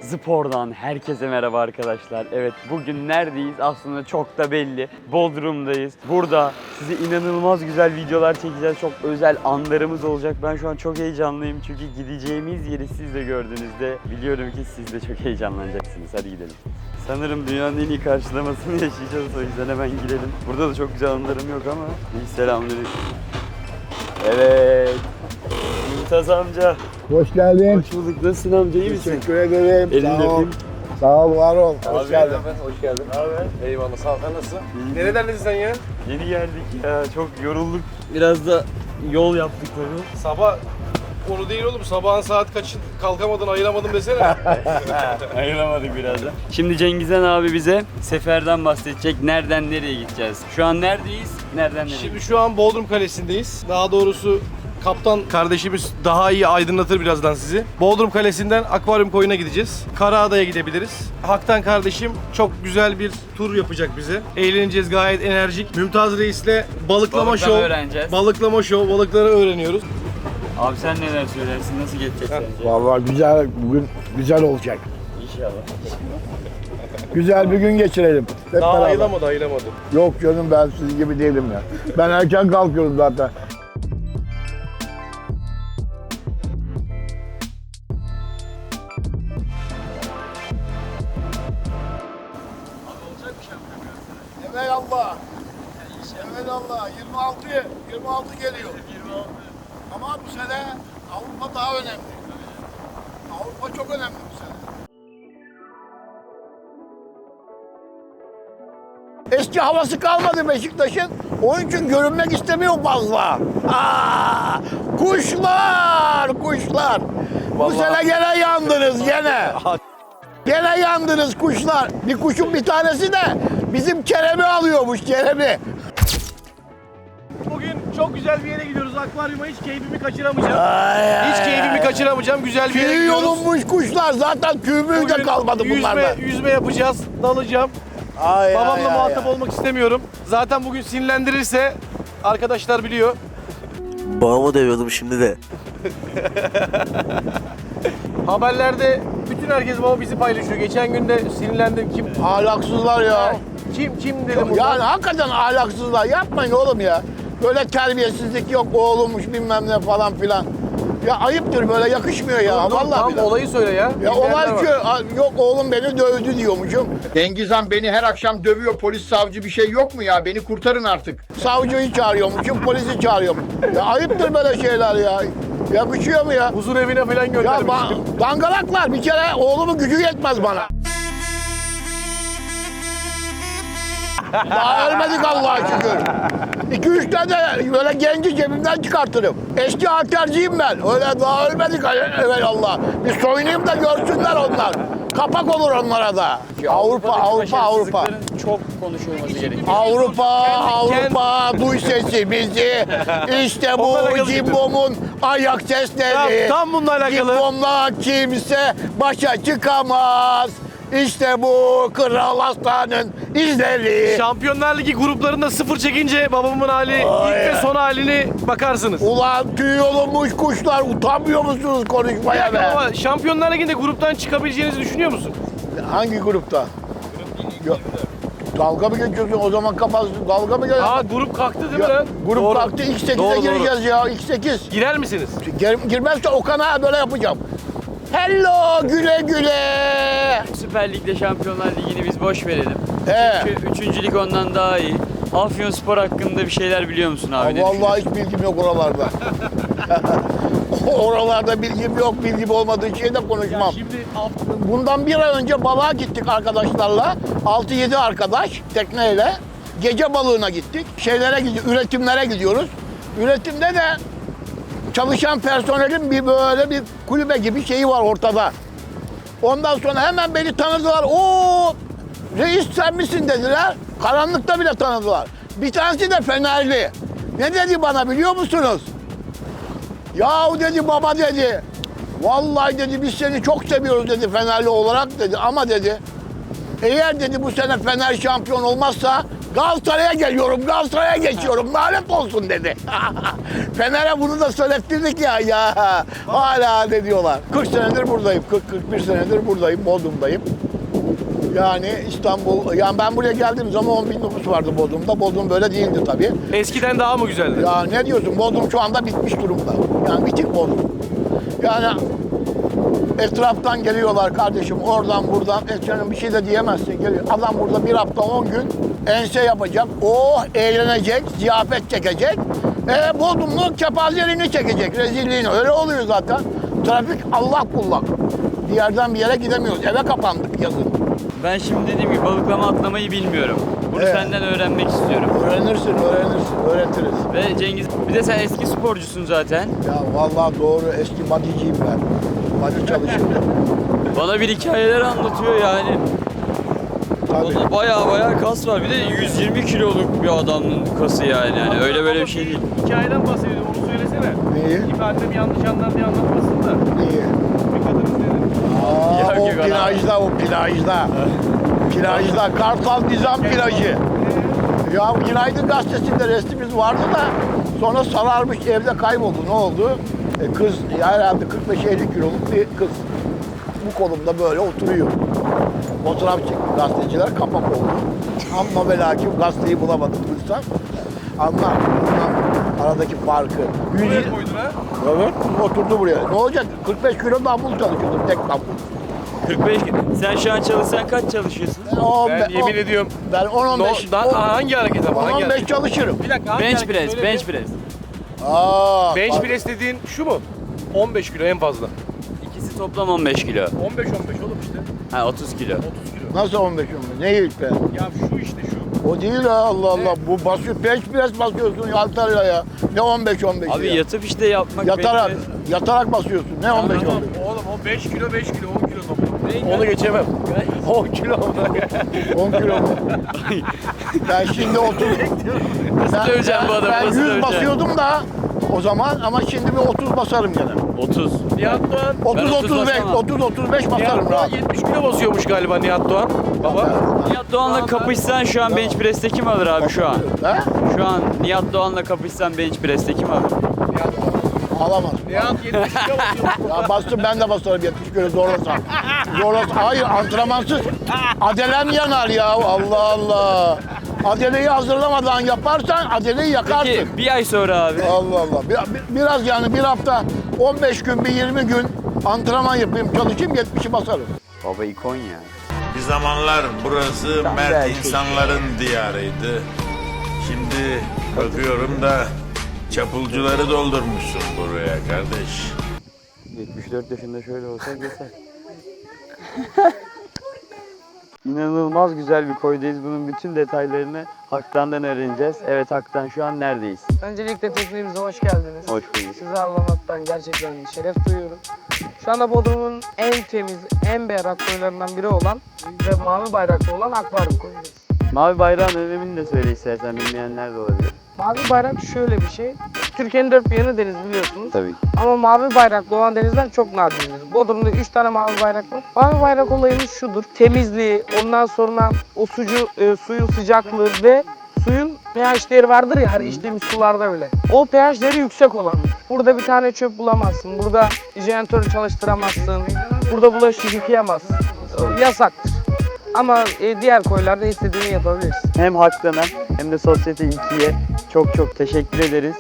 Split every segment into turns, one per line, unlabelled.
Spor'dan herkese merhaba arkadaşlar. Evet, bugün neredeyiz? Aslında çok da belli. Bodrum'dayız. Burada size inanılmaz güzel videolar çekeceğiz. Çok özel anlarımız olacak. Ben şu an çok heyecanlıyım çünkü gideceğimiz yeri siz de gördüğünüzde biliyorum ki siz de çok heyecanlanacaksınız. Hadi gidelim. Sanırım dünyanın en iyi karşılamasını yaşayacağız, o yüzden hemen girelim. Burada da çok güzel anılarım yok ama. İyi, selamünaleyküm. Evet. Mümtaz amca.
Hoş geldin.
Hoş bulduk. Nasılsın amca? İyi misin?
Teşekkür ederim.
Elini
Sağ ol.
öpeyim.
Sağ ol, var ol.
Abi,
Hoş geldin.
Hoş geldin.
Abi.
Eyvallah, sağ ol. Sen nasılsın?
İyi.
Neredendesin sen ya?
Yeni geldik ya. Çok yorulduk. Biraz da yol yaptık tabii.
Sabah onu değil oğlum. Sabahın saat kaçı kalkamadın, ayıramadım desene.
Ayıramadık birazdan. Şimdi Cengizhan abi bize seferden bahsedecek. Nereden nereye gideceğiz? Şu an neredeyiz? Nereden nereye?
Şimdi şu an Bodrum Kalesi'ndeyiz. Daha doğrusu kaptan kardeşimiz daha iyi aydınlatır birazdan sizi. Bodrum Kalesi'nden Akvaryum Koyu'na gideceğiz. Karaada'ya gidebiliriz. Haktan kardeşim çok güzel bir tur yapacak bize. Eğleneceğiz, gayet enerjik. Mümtaz Reis'le balıklama
Balıklama
şov.
öğreneceğiz.
Balıklama şov, balıkları öğreniyoruz.
Abi sen neler söylersin? Nasıl geçecek sence?
Vallahi güzel, bugün güzel olacak.
İnşallah.
Güzel bir gün geçirelim. Hep
Daha
beraber.
ayılamadı.
Yok canım, ben siz gibi değilim ya. Ben erken kalkıyorum zaten. Evelallah. Evelallah. 26 geliyor. 26. Ama bu sene Avrupa daha önemli. Avrupa çok önemli bu sene. Eski havası kalmadı Beşiktaş'ın. Onun için görünmek istemiyor fazla. Kuşlar. Bu sene gene yandınız gene. Gene yandınız kuşlar. Bir kuşun bir tanesi de bizim Kerem'i alıyormuş, Kerem'i.
Bugün çok güzel bir yere gidiyoruz. Akvaryuma hiç keyfimi kaçıramayacağım. Hiç keyfimi kaçıramayacağım. Güzel bir yere
Tüy
gidiyoruz.
yolunmuş kuşlar. Zaten tüymüğü de kalmadı bunlardan.
Yüzme yapacağız. Dalacağım. Babamla muhatap olmak istemiyorum. Zaten bugün sinirlendirirse arkadaşlar biliyor.
Babamı dövüyordum şimdi de.
Haberlerde bütün herkes baba bizi paylaşıyor. Geçen gün de sinirlendim. Kim?
Ahlaksızlar ya.
Kim dedim burada.
Yani hakikaten ahlaksızlar. Yapmayın oğlum ya. Böyle terbiyesizlik yok, oğlummuş bilmem ne falan filan. Ya ayıptır, böyle yakışmıyor ya.
Dur,
Vallahi
tam
billahi.
olayı söyle ya.
Ya
Bilmeyenler
olay
var.
şu, yok oğlum beni dövdü diyormuşum. Dengizhan beni her akşam dövüyor, polis savcı bir şey yok mu ya? Beni kurtarın artık. Savcıyı çağırıyormuşum, polisi çağırıyorum. Ya ayıptır böyle şeyler ya. Yakışıyor mu ya?
Huzur evine falan
Ya
göndermiştim.
dangalaklar, bir kere oğlumun gücü yetmez bana. Daha ölmedik Allah'a şükür. 2-3 tane böyle genci cebimden çıkartırım. Eski halterciyim ben. Öyle daha ölmedik Allah. Bir soyunayım da görsünler onlar. Kapak olur onlara da. Avrupa.
Başarısızlıkların çok konuşulması gerekiyor.
Avrupa, duy sesi bizi. İşte bu
Onlarla alakalı
Cimbom'un ayak sesleri.
Tam bununla alakalı.
Cimbom'la kimse başa çıkamaz. İşte bu Kral Aslan'ın izleri.
Şampiyonlar Ligi gruplarında sıfır çekince babamın hali ilk ve son halini bakarsınız.
Ulan tüy olunmuş kuşlar, utanmıyor musunuz konuşmaya be?
Ama Şampiyonlar Ligi'nde gruptan çıkabileceğinizi düşünüyor musun?
Hangi grupta? Yok. Dalga mı geçiyorsun? O zaman kafası dalga mı geçiyorsun?
Aa, grup kalktı değil mi lan?
Grup
Doğru.
kalktı, X8'e
Doğru,
gireceğiz ya, X8.
Girer misiniz?
Girmezse Okan'a böyle yapacağım. Hello, güle güle.
Süper Lig'de Şampiyonlar Ligi'ni biz boş verelim.
He.
Çünkü 3. lig ondan daha iyi. Afyonspor hakkında bir şeyler biliyor musun abi? Ne
Vallahi hiç bilgim yok oralarda. Oralarda bilgim yok, bilgim olmadığı şeyde konuşmam.
Şimdi
Bundan bir ay önce balığa gittik arkadaşlarla. 6-7 arkadaş tekneyle. Gece balığına gittik. Üretimlere gidiyoruz. Üretimde de çalışan personelin böyle bir kulübe gibi şeyi var ortada. Ondan sonra hemen beni tanıdılar. Oo, reis sen misin dediler. Karanlıkta bile tanıdılar. Bir tanesi de Fenerli. Ne dedi bana biliyor musunuz? Yahu dedi, baba dedi. Vallahi dedi biz seni çok seviyoruz dedi Fenerli olarak dedi. Ama dedi eğer dedi bu sene Fener şampiyon olmazsa Galatasaray'a geliyorum, Galatasaray'a geçiyorum. Lanet olsun dedi. Fener'e bunu da söylettirdik ya. Hala ne diyorlar. 40 senedir buradayım. 40-41 senedir buradayım. Bodrum'dayım. Yani İstanbul, yani ben buraya geldiğim zaman 10.000 nüfus vardı Bodrum'da. Bodrum böyle değildi tabii.
Eskiden daha mı güzeldi?
Ya ne diyorsun? Bodrum şu anda bitmiş durumda. Yani bitik Bodrum. Yani etraftan geliyorlar kardeşim, oradan buradan. Canım bir şey de diyemezsin. Geliyor. Adam burada bir hafta 10 gün ense yapacak. O eğlenecek, ziyafet çekecek. Bodrum'un kepazeliğini çekecek, rezilliğini. Öyle oluyor zaten. Trafik Allah kullak. Bir yerden bir yere gidemiyoruz. Eve kapandık yazın.
Ben şimdi dediğim gibi balıklama atlamayı bilmiyorum. Bunu
Evet.
senden öğrenmek istiyorum.
Öğrenirsin, öğretiriz.
Ve Cengiz, bir de sen eski sporcusun zaten.
Ya vallahi doğru, eski bodyciyim ben. Body çalışırdım.
Bana bir hikayeler anlatıyor yani.
Tabii.
Onda baya kas var. Bir de 120 kiloluk bir adamın kası yani. Öyle böyle bir şey değil.
Hikayeden bahsediyor, onu söylesene.
Neyi?
İfade'm yanlış anlar diye anlatmasın da.
Neyi?
Bir kadın izledim.
Aa,
Yok,
o
yok,
plajda, o plajda. Plajda, Kartal Nizam plajı. Ya Günaydın Gazetesi'nde resmimiz vardı da sonra sararmış, evde kayboldu. Ne oldu? Kız, ya herhalde 45-50 kiloluk bir kız. Bu kolumda böyle oturuyor. Fotoğraf çekti gazeteciler, kapak oldu. Amma ve lakin gazeteyi bulamadım bulsam. Anlar, aradaki farkı.
Buraya koydun ha?
Evet, oturdu buraya. Ne olacak? 45 kilo dambul çalışıyordum, tek dambul.
45. Sen şu an çalışsan kaç çalışıyorsun?
Ben yemin ediyorum.
Ben 10-15
Hangi hareket ama? Hangi
10-15
hareket?
çalışırım.
Bir dakika, hangi
Bench
hareket?
press,
Söyle
bench
bir.
press.
Bench press dediğin şu mu? 15 kilo en fazla.
İkisi toplam 15 kilo.
15 oğlum işte.
Ha 30 kilo.
30 kilo.
Nasıl 15 Ne ilk be?
Ya şu işte şu.
O değil ha, Allah Allah. Bu basıyor, bench press basıyorsun Antalya'ya ya. Ne 15
Abi
ya?
yatıp işte yapmak.
Yatarak,
bench press.
yatarak basıyorsun. Ne 15
Tamam, oğlum o 5 kilo 5 kilo 10 kilo toplam. Onu geçemem. 10 kilo
10 kilo mu? Ben şimdi 30.
Nasıl döveceğim bu adamı?
Ben
Nasıl
100
döveceğim?
basıyordum da o zaman ama şimdi bir 30 basarım gene.
30.
Nihat Doğan.
30
30
35
basamam.
30 35 basarım
Nihat Doğan
rahat.
70 kilo basıyormuş galiba Nihat Doğan. Baba.
Nihat Doğan'la kapışsan şu an bench press'te kim alır abi şu an?
He?
Şu an Nihat Doğan'la kapışsan bench press'te kim alır?
Alamaz.
Nihat 70 kilo basıyor.
Ya bastım ben de basarım 70 kilo zorlasam. Zorlasam. Hayır antrenmansız. Adelem yanar ya Allah Allah. Adeleyi hazırlamadan yaparsan adeleyi yakarsın.
Peki bir ay sonra abi.
Allah Allah. Biraz yani bir hafta 15 gün bir 20 gün antrenman yapayım çalışayım 70'i basarım.
Baba ikon ya.
Bir zamanlar burası mert insanların diyarıydı. Şimdi bakıyorum da çapulcuları doldurmuşsun buraya kardeş.
74 yaşında şöyle olsa geçer. İnanılmaz güzel bir koydayız. Bunun bütün detaylarını Haktan'dan öğreneceğiz. Evet Haktan, şu an neredeyiz?
Öncelikle teknemize hoş geldiniz.
Hoş bulduk.
Sizi ağırlamaktan gerçekten şeref duyuyorum. Şu anda Bodrum'un en temiz, en berrak koylarından biri olan ve mavi bayraklı olan akvaryum koyuyoruz.
Mavi bayrağın önemini de söyle istersen, bilmeyenler de olabilir.
Mavi bayrak şöyle bir şey. Türkiye'nin dört bir yanı deniz biliyorsunuz.
Tabii ki.
Ama mavi bayraklı olan denizden çok nadirdir. Bodrum'da 3 tane mavi bayrak var. Mavi bayrak olayımız şudur. Temizliği, ondan sonra o suyun sıcaklığı ve suyun pH değeri vardır ya, her içtiğimiz sularda bile. O pH değeri yüksek olan. Burada bir tane çöp bulamazsın. Burada jeneratörü çalıştıramazsın. Burada bulaşık yıkayamazsın. Yasaktır. Ama diğer koylarda istediğini yapabilirsin.
Hem Haktan'a hem de Sosyete 2'ye çok çok teşekkür ederiz.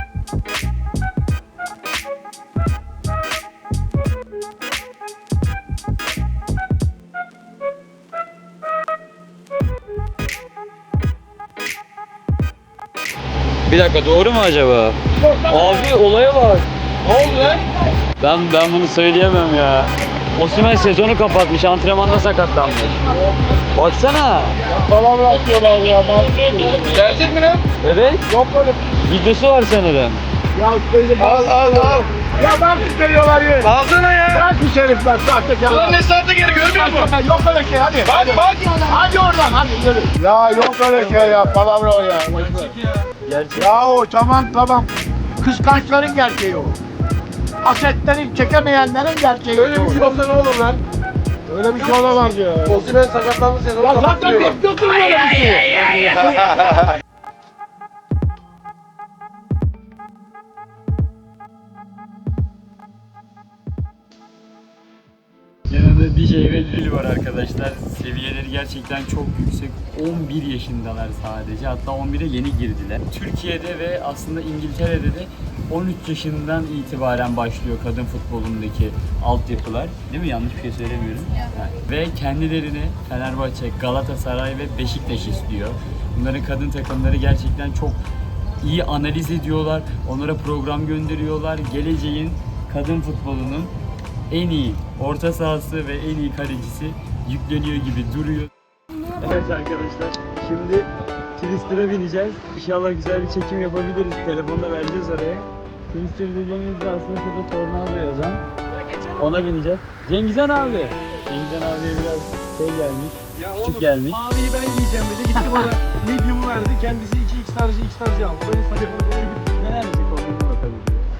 Bir dakika, doğru mu acaba? Abi olaya bak.
Ne oldu lan?
Ben bunu söyleyemem ya. Osimhen sezonu kapatmış, antrenmanda sakatlanmış. Baksana.
Palavra atıyorlar ya.
Gerçek mi lan?
Evet.
Yok öyle.
Videosu var sanırım.
Ya söyle. Al. Ya ben veriyorlar yine.
Alsana ya.
Bırak bir şerifler sahtekar.
Ulan ne saatte geri görmüyor musun?
Yok öyle şey hadi.
Bak.
Hadi oradan hadi yürü. Ya yok öyle şey ya. Palavra o ya.
Gerçek.
Ya o tamam. Kıskançların gerçeği o. Asetleri çekemeyenlerin gerçeği
Öyle
o.
bir şey olsa ne olur lan?
Öyle bir şey olamaz ya.
Osimhen sakatlandı sezonu
Ya zaten bekliyorsun böyle bir şey.
Yanında DJ ve Lil var arkadaşlar. Seviyeleri gerçekten çok yüksek. 11 yaşındalar sadece. Hatta 11'e yeni girdiler. Türkiye'de ve aslında İngiltere'de de 13 yaşından itibaren başlıyor kadın futbolundaki altyapılar. Değil mi? Yanlış bir şey söylemiyorum. Evet. Ve kendilerini Fenerbahçe, Galatasaray ve Beşiktaş istiyor. Bunların kadın takımları gerçekten çok iyi analiz ediyorlar. Onlara program gönderiyorlar. Geleceğin kadın futbolunun en iyi orta sahası ve en iyi kalecisi yükleniyor gibi duruyor. Evet arkadaşlar, şimdi Twister'a bineceğiz. İnşallah güzel bir çekim yapabiliriz. Telefonda vereceğiz oraya. Twister dediğimizde aslında şurada Tornado yazan. Ona bineceğiz. Cengizhan abi. Cengizhan abiye biraz şey gelmiş. Küçük gelmiş.
Maviyi ben giyeceğim dedi. Gitti bana medium'u verdi. Kendisi 2x tarzı aldı. Böyle telefonu doğru gitti.
Neler mi kombinine bakalım.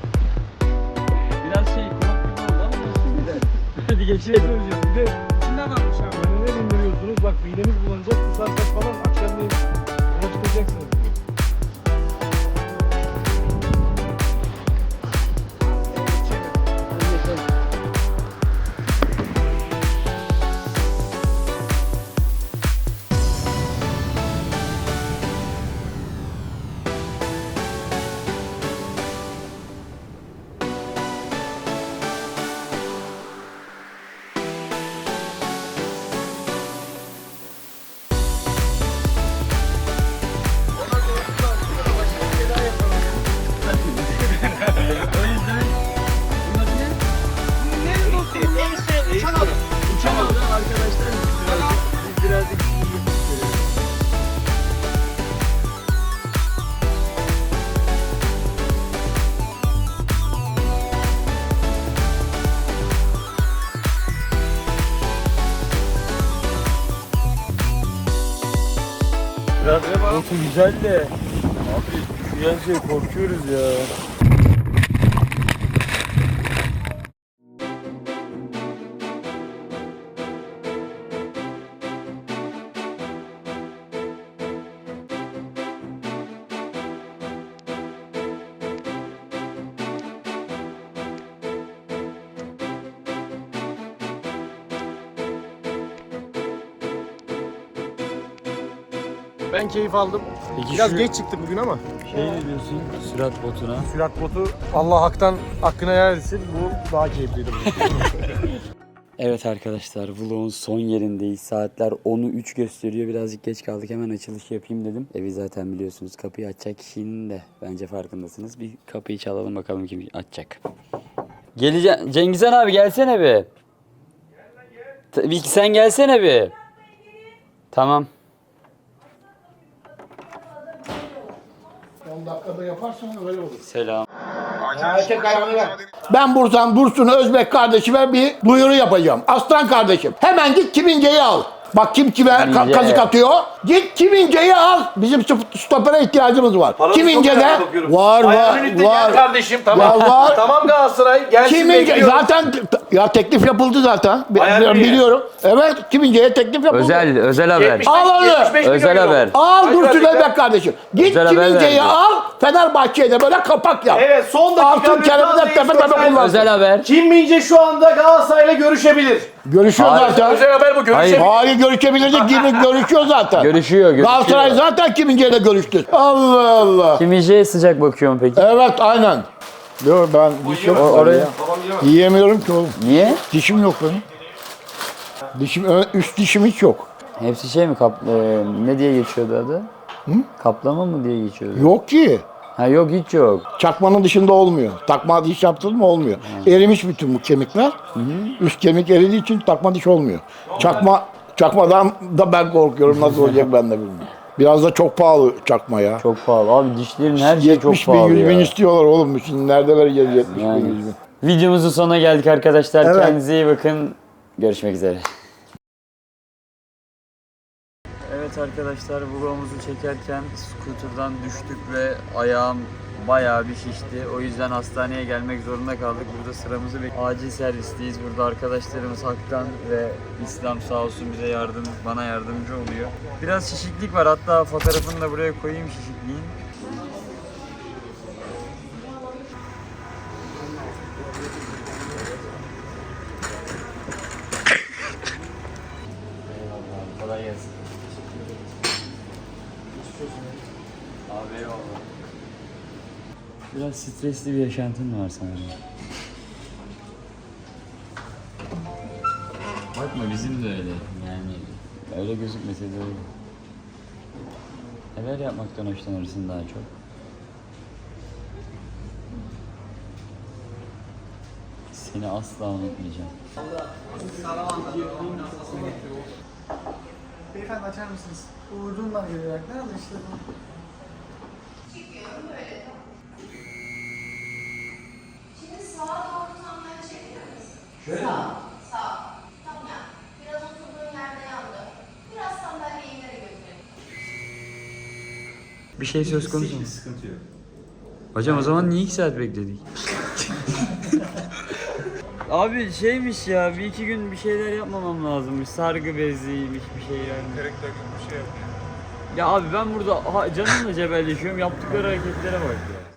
Biraz şey kulak gibi oldu ama olsun güzel. Hadi geçelim.
Bir de içinden almış abi. Hani ne indiriyorsunuz? Bak mideniz bulanacak. Kusarsak falan akşamleyin yola çıkacaksınız.
Uçamadı arkadaşlar. Biz birazcık biraz botu güzel de abi şu yan şey korkuyoruz ya.
Ben keyif aldım.
Peki
Biraz
şu
geç çıktık bugün ama.
şey ne diyorsun sürat botuna?
Sürat botu Allah haktan hakkına helal etsin. Bu daha keyifliydi.
Evet arkadaşlar vlogun son yerindeyiz. Saatler 10'u 3 gösteriyor. Birazcık geç kaldık. Hemen açılış yapayım dedim. Evi zaten biliyorsunuz. Kapıyı açacak kişinin de bence farkındasınız. Bir kapıyı çalalım bakalım kim açacak. Geleceğim. Cengizhan abi gelsene bir. Tabii ki sen gelsene bir. Tamam.
10 dakikada yaparsan öyle olur.
Selam.
Ben buradan Dursun Özbek kardeşime bir duyuru yapacağım. Aslan kardeşim hemen git Kimince'yi al. Bak kim kime
Kimince.
kazık atıyor. Git Kimince'yi al. Bizim stopere ihtiyacımız var. Kimince'de var.
Kardeşim tamam.
Var.
Tamam Galatasaray gelsin
Kimince
bekliyorum.
zaten ya teklif yapıldı zaten.
Ayarlı
Biliyorum. Evet Kimince'ye teklif yapıldı.
Özel haber.
75
Al onu.
75
Özel
milyon
haber.
euro.
Al
Kaç
Dursun
verdikler?
Özbek kardeşim. Git
Özel haber
Kimince'yi
verdi.
al. Fenerbahçe'ye de böyle kapak yap.
Evet son dakika
Altın kelimede tepe tepe kullansın.
Özel haber.
Kim Mince şu anda Galatasaray'la görüşebilir.
Görüşüyor
Hayır.
zaten.
Özel haber bu görüşebilir.
Hayır görüşebilirdik gibi görüşüyor zaten.
Görüşüyor.
Galatasaray zaten Kimince'yle görüştü. Allah Allah.
Kimince'ye sıcak bakıyorum peki.
Evet aynen. Yok ben dişim
Oraya.
yiyemiyorum ki oğlum.
Niye?
Dişim yok benim. Üst dişim hiç yok.
Hepsi şey mi ne diye geçiyordu adı? Kaplama mı diye geçiyordu?
Yok ki.
Ha yok hiç yok.
Çakmanın dışında olmuyor. Takma diş yaptın mı olmuyor. Erimiş bütün bu kemikler. Üst kemik eridiği için takma diş olmuyor. Çakmadan da ben korkuyorum. Nasıl olacak ben de bilmiyorum. Biraz da çok pahalı çakma ya.
Çok pahalı. Abi dişlerin her şeyi çok
70 bin,
pahalı
100 bin
ya.
istiyorlar oğlum. Şimdi nerede vereceğiz 70
Yani.
bin, 100 bin?
Videomuzun sonuna geldik arkadaşlar.
Evet.
Kendinize iyi bakın. Görüşmek üzere. Evet arkadaşlar vlogumuzu çekerken scooter'dan düştük ve ayağım bayağı bir şişti. O yüzden hastaneye gelmek zorunda kaldık. Burada sıramızı acil servisteyiz. Burada arkadaşlarımız Hak'tan ve İslam sağ olsun bize bana yardımcı oluyor. Biraz şişiklik var. Hatta fotoğrafını da buraya koyayım şişikliğin. Eyvallah. Kolay gelsin. Abi eyvallah. Biraz stresli bir yaşantın var sanırım. Bakma bizim de öyle. Yani öyle gözükmese de öyle. Neler yapmaktan hoşlanırsın daha çok? Seni asla unutmayacağım.
Beyefendi açar mısınız? Uğurluğundan geliyor. Nerede işte bu?
Şimdi sağa doğru tam yana çekilir misin? Şöyle mi? Sağ. Tam yan. Biraz oturduğun yerde yandı. Biraz sandalyeyi ileri götürelim.
Bir şey söz konusu mu? Sıkıntı yok. Hocam o zaman niye 2 saat bekledik? Abi şeymiş ya, bir iki gün bir şeyler yapmamam lazımmış. Sargı beziymiş bir şeyler.
Kırık dökük bir şey yok.
Ya abi ben burada canımla cebelleşiyorum, yaptıkları hareketlere bak ya.